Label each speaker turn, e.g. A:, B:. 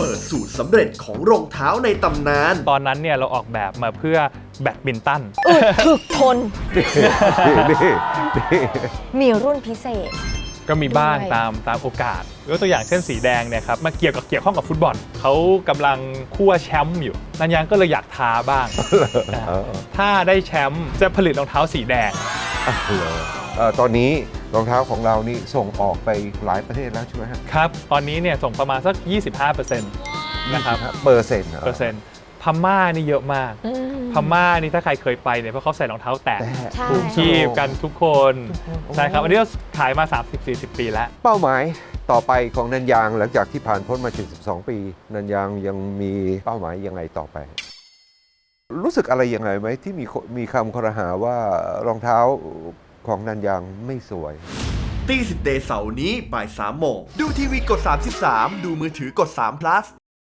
A: เปิดสูตรสำเร็จของรองเท้าในตำนาน
B: ตอนนั้นเนี่ยเราออกแบบมาเพื่อแบดมินตัน
C: ถึกทน
D: นี่
C: มีรุ่นพิเศษ
B: ก็มีบ้าง
C: ด้วย
B: ตามโอกาสยกตัวอย่างเช่นสีแดงเนี่ยครับมาเกี่ยวข้องกับฟุตบอลเขากำลังคั่วแชมป์อยู่นันยังก็เลยอยากท้าบ้างนะถ้าได้แชมป์จะผลิตรองเท้าสีแดง
D: ตอนนี้รองเท้าของเรานี่ส่งออกไปหลายประเทศแล้วใช่ไหมครับ
B: ครับ ตอนนี้เนี่ยส่งประมาณสัก 25%นะครับ
D: เปอร์เซ็นต์
B: เปอร์เซ็นต์พม่านี่เยอะมาก พม่านี่ถ้าใครเคยไปเนี่ยเพราะเขาใส่รองเท้าแตะ
C: ใช่
B: ถูกคีบกันทุกคนใช่ครับอันนี้เราขายมา 30-40 ปีแล้ว
D: เป้าหมายต่อไปของนันยางหลังจากที่ผ่านพ้นมา72ปีนันยางยังมีเป้าหมายยังไงต่อไป รู้สึกอะไรยังไงไหมที่มีคำครหาว่ารองเท้าของนันยางไม่สวย
A: ตีสิบเดย์เสาร์นี้บ่าย3 โมง ดูทีวีกด 33 ดูมือถือกด3 plus